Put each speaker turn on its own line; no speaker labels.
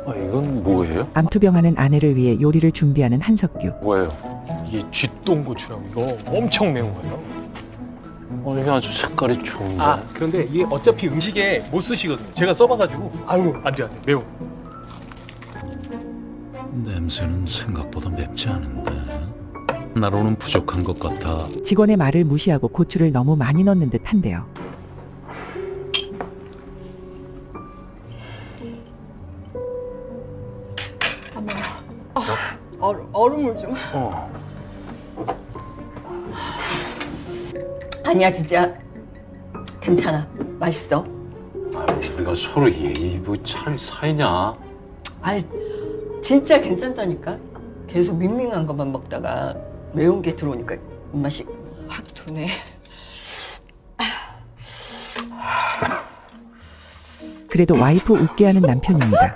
이건 뭐예요?
암투병하는 아내를 위해 요리를 준비하는 한석규.
뭐예요?
이게 쥐똥고추라고 이거 엄청 매운 거예요.
이게 아주 색깔이 좋은데.
그런데 이게 어차피 음식에 못 쓰시거든요. 제가 써봐가지고 아유 안 돼 매워.
냄새는 생각보다 맵지 않은데 나로는 부족한 것 같아.
직원의 말을 무시하고 고추를 너무 많이 넣는 듯한데요.
얼음물 좀. 아니야 진짜 괜찮아. 맛있어.
우리가 서로 예의 뭐 차라리 사이냐?
아니 진짜 괜찮다니까. 계속 밍밍한 것만 먹다가 매운 게 들어오니까 입맛이 확 도네.
그래도 와이프 웃게 하는 남편입니다.